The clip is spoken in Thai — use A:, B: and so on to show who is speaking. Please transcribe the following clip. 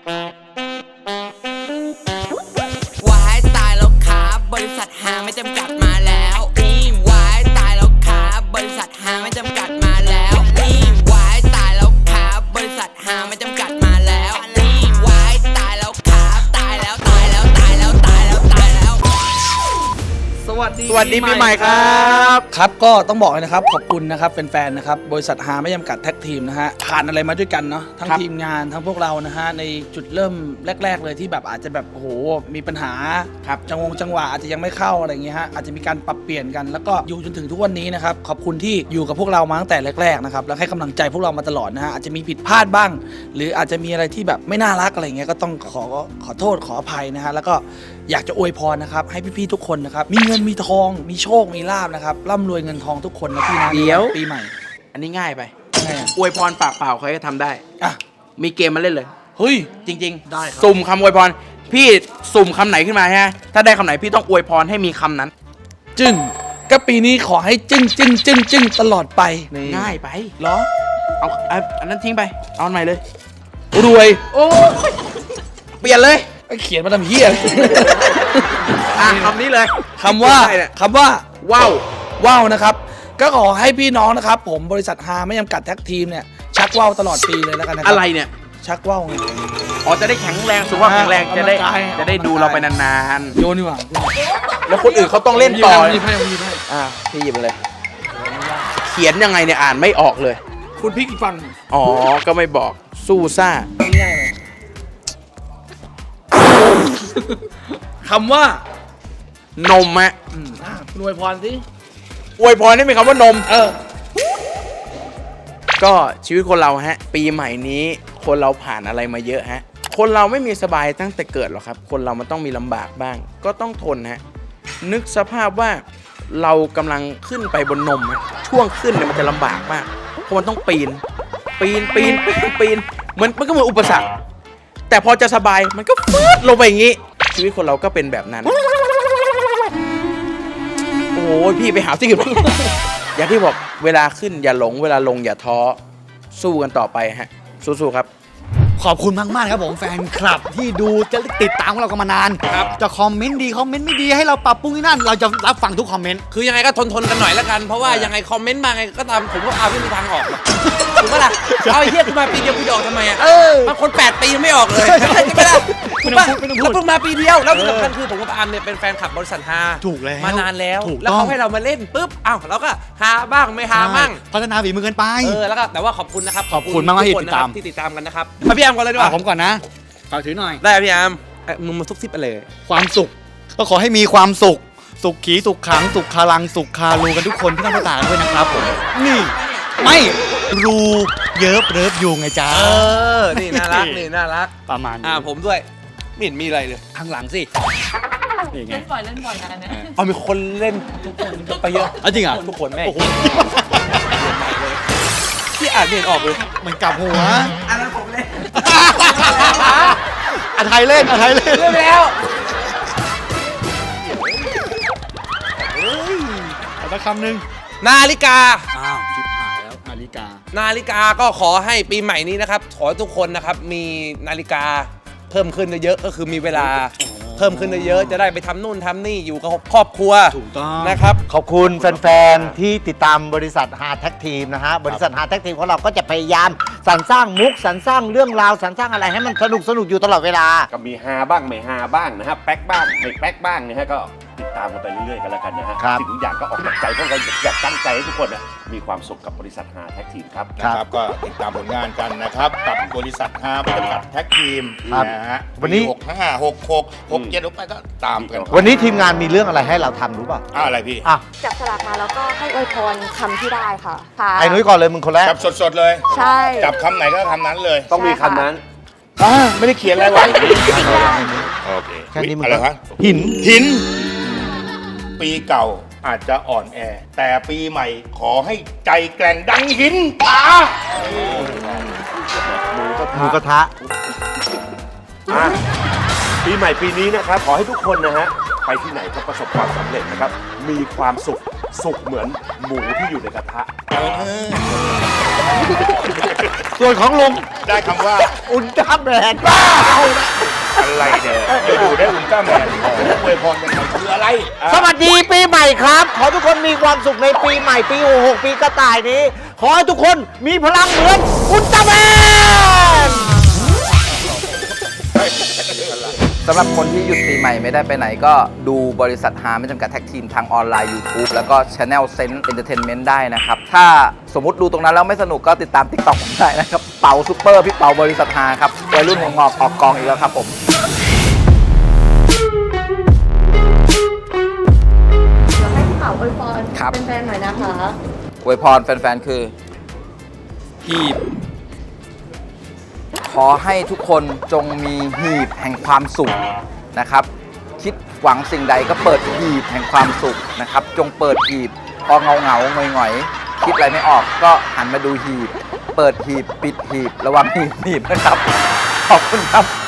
A: วายตายแล้วครับบริษัทหาไม่จำกัดมาแล้วนี่วายตายแล้วครับบริษัทหาไม่จำกัดมาแล้วนี่วายตายแล้วครับบริษัทหาไม่จำกัดมาแล้วนี่วายตายแล้วครับตายแล้วตายแล้วตายแล้วตายแล้วตายแล้ว
B: สวัสดีปีใหม่ครับครับก็ต้องบอกเลยนะครับขอบคุณนะครับแฟนๆนะครับบริษัทหาไม่จำกัดแท็กทีมนะฮะผ่านอะไรมาด้วยกันเนาะทั้งทีมงานทั้งพวกเรานะฮะในจุดเริ่มแรกๆเลยที่แบบอาจจะแบบโอ้โหมีปัญหาครับจังหวะอาจจะยังไม่เข้าอะไรเงี้ยฮะอาจจะมีการปรับเปลี่ยนกันแล้วก็อยู่จนถึงทุกวันนี้นะครับขอบคุณที่อยู่กับพวกเรามาตั้งแต่แรกๆนะครับแล้วให้กำลังใจพวกเรามาตลอดนะฮะอาจจะมีผิดพลาดบ้าง หรืออาจจะมีอะไรที่แบบไม่น่ารักอะไรเงี้ยก็ต้องขอโทษขออภัยนะฮะแล้วก็อยากจะอวยพรนะครับให้พี่ๆทุกคนนะครับมีเงินมีทองมีโชคมีลาภนะครับร่ำรวยเงินทองทุกคนนะพี่นะ
C: เดี๋ยว
B: ปีใหม่
C: อันนี้ง่ายไป
B: ไงอะ
C: อวยพรปากเปล่าใครก็ทำได้
B: อ่ะ
C: มีเกมมาเล่นเลย
B: เฮ้ย
C: จริง
B: ได้ครับ
C: สุ่มคำอวยพรพี่สุ่มคำไหนขึ้นมาฮะถ้าได้คำไหนพี่ต้องอวยพรให้มีคำนั้น
B: จึ้งก็ปีนี้ขอให้จึ้งตลอดไปนี่
C: ง่ายไป
B: เหรอ
C: เอาอันนั้นทิ้งไปเอาอันใหม่เลย
B: รวย
C: โอ้เปลี่ยนเลย
B: เขียนมาทำเฮีย
C: คำนี้เลย
B: คำว่า
C: ได้เนี่ย
B: ว้าวนะครับก็ขอให้พี่น้องนะครับผมบริษัทฮาไม่จำกัดแท็กทีมเนี่ยชักว่าวตลอดปีเลยแล้วกันนะครั
C: อะไรเนี่ย
B: ชักว่าวไง
C: อ๋อจะได้แข็งแรงสุขภาพแข็งแรงจะได้
B: กำลังกาย
C: จะได้ดูเราไปนาน
B: โยนดีกว่า
C: ๆแล้วคนอื่นเขาต้องเล่นต่อ
B: หยิบให้
C: พี่หยิบมาเลย เขียนยังไงเนี่ยอ่านไม่ออกเลย
B: คุณพลิกอีกฝั่ง
C: อ๋อก็ไม่บอกสู้ซ่า
B: ง่ายเลยคำว่าน
C: มฮะ
B: รวยพรสิ
C: อวยพรได้ไหมคำว่านม
B: เออ
C: ก็ชีวิตคนเราฮะปีใหม่นี้คนเราผ่านอะไรมาเยอะฮะคนเราไม่มีสบายตั้งแต่เกิดหรอกครับคนเรามันต้องมีลำบากบ้าง ก็ต้องทนฮะนึกสภาพว่าเรากำลังขึ้นไปบนนมฮะช่วงขึ้นเนี่ยมันจะลำบากมากเพราะมันต้องปีนมันก็เหมือนอุปสรรคแต่พอจะสบายมันก็ฟืดลงไปอย่างนี้ชีวิตคนเราก็เป็นแบบนั้นโอ้ยพี่ไปหาที่อื่น อย่างที่บอกเวลาขึ้นอย่าหลงเวลาลงอย่าท้อสู้กันต่อไปฮะสู้ๆครับ
D: ขอบคุณมากๆครับผมแฟนคลับที่ดูจะติดตามพวกเรากันมานานจะคอมเมนต์ดีคอมเมนต์ไม่ดีให้เราปรับปรุงที่นั่นเราจะรับฟังทุกคอมเมนต์
E: คือยังไงก็ทนกันหน่อยแล้วกันเพราะว่ายังไงคอมเมนต์มาไงก็ตามผมก็เอาไม่มีทางออกหรอกถูกปะล่ะเอาไอ้เหี้ยกูมาปีเดียวกูจะออกทำไมอ่ะบางคน8 ปียังไม่ออกเลยใช่ไหมล่ะถูกปะแล้วเพิ่งมาปีเดียวแล้วที่สำคัญคือผมกับอาร์มเนี่ยเป็นแฟนคลับบริษัทฮา
D: ถูกแล้ว
E: มานานแล้ว
D: ถูก
E: แล้ว
D: ต้อง
E: เขาให้เรามาเล่นปุ๊บอ้าวเราก็ฮาบ้างไม่ฮาบ้าง
D: พัฒนาฝีมือกันไป
E: แล้วก็แต่ว่าขอบคุณนะครับ
D: ขอบคุณมากๆที่
E: ทุคน
D: ติดตาม
E: นะครับที่ติดตามกันนะครับมาพี่อาร์มก่อนเลยดีกว่า
D: ผมก่อนนะฝากถือหน่อย
E: ได้พี่อาร์มมึงมาทุกทิปไปเลย
D: ความสุขก็ขอให้มีความสุขสุขขีสุขขังสุขคารังสุขคารูกันทุกคนที่ต้องต่างด้วยนะครับผมนี่ไม่รูเยิบเริบยูไงจ้า
E: นี่น่ารักนี่น่ารัก
D: ประมาณนี้
E: ผมด้วยไม่เห็นมีอะไรเลย
D: ข้างหลังสินี่ไง
F: เล่นบ่อยนะเนี่ย
E: เอามีคนเล่นทุกคนไปเยอะ
D: จริงอ่ะ
E: ทุกคนแม่ง
D: โอ้โห
E: ที่อ่านไม่เห็นออกเลย
D: มันกลับหัว
E: อันนั้นผมเล่น
D: อาไทยเล่นอาไทยเล่น
E: เล่นแล้ว
D: เอาสักคำหนึ่ง
E: นาฬิกา
D: อ้าวชิบหายแล้วนาฬิกา
E: นาฬิกาก็ขอให้ปีใหม่นี้นะครับขอให้ทุกคนนะครับมีนาฬิกาเพิ่มขึ้นเยอะๆก็คือมีเวลาเพิ่มขึ้นเยอะๆจะได้ไปทำนู่นทำนี่อยู่กับครอบครัว
D: ถูกต้อง
E: นะครับ
G: ขอบคุณแฟนๆ ที่ติดตามบริษัทฮาแท็กทีมนะฮะ บริษัทฮาแท็กทีมของเราก็จะพยายามสรรสร้างมุกสรรสร้างเรื่องราวสรรสร้างอะไรให้มันสนุกอยู่ตลอดเวลา
H: ก็มีฮาบ้างไม่ฮาบ้างนะฮะแป๊กบ้างไม่แป๊กบ้างนะฮะก็ติดตามกันไปเรื่อยๆกันแล้วกันนะฮะ
G: ครับ
H: สิ่งทุกอย่างก็ออกจากใจพวกเราอยากตั้งใจให้ทุกคนน่ะมีความสุขกับบริษัทฮาแท็กทีมครับ
G: ครับ
I: ก็ติดตามผลงานกันนะครับ กับบริษัทฮาไม่จำกัดแท็กทีม
G: ครับ
I: นะฮะ
G: วันนี้
I: 65 66 67ลงไปก็ตามกัน
G: วันนี้ทีมงานมีเรื่องอะไรให้เราทำรู้ป่ะ
I: อะไรพี่
G: อ่ะ
F: จับสลากมาแล้วก็ให้อวยพรคำที่ได้ค่ะ
G: ไอ้นุ้ยก่อนเลยมึงคนแรก
I: จับสดๆเลย
F: ใช่
I: จับคำไหนก็คำนั้นเลย
H: ต้องมีคำนั้น
I: ไม่ได้เขียนอะไรไว้ โอเค
G: แค่นี้มึง
I: อะไรครับ
G: หิน
I: หิน ปีเก่าอาจจะอ่อนแอ แต่ปีใหม่ขอให้ใจแกร่งดังหินตา
G: หมูกระทะ
H: ปีใหม่ปีนี้นะครับขอให้ทุกคนนะฮะไปที่ไหนก็ประสบความสำเร็จนะครับมีความสุขเหมือนหมูที่อยู่ในกระทะ
G: ส่วนของลุง
I: ได้คำว่า
G: อุลตร้าแมน
I: อะไรเนี่ยจะดูได้อุลตร้าแมนอวยพรยังไงคืออะไรอ่ะ
G: สวัสดีปีใหม่ครับ ขอทุกคนมีความสุขในปีใหม่ปี66ปีกระต่ายนี้ ขอให้ทุกคนมีพลังเหมือนอุลตร้าแมน
J: สำหรับคนที่หยุดปีใหม่ไม่ได้ไปไหนก็ดูบริษัทฮาไม่จำกัดแท็กทีมทางออนไลน์ YouTube แล้วก็ Channel Sense Entertainment ได้นะครับ ถ้าสมมติดูตรงนั้นแล้วไม่สนุกก็ติดตาม TikTok ผมได้นะครับ เป๋าซุปเปอร์พี่เป๋าบริษัทฮาครับวัยรุ่นหัวงอกออกกองอีกแล้วครับผม
F: ให้พี่เป๋าอวยพร
J: ครับ
F: เป็นแฟนๆหน่อยนะคะ
J: อวยพรแฟนๆคือหีบ ขอให้ทุกคนจงมีหีบแห่งความสุขนะครับ คิดหวังสิ่งใดก็เปิดหีบแห่งความสุขนะครับ จงเปิดหีบพอเงาหงอยๆคิดอะไรไม่ออกก็หันมาดูหีบ เปิดหีบปิดหีบระวังหีบนะครับ ขอบคุณครับ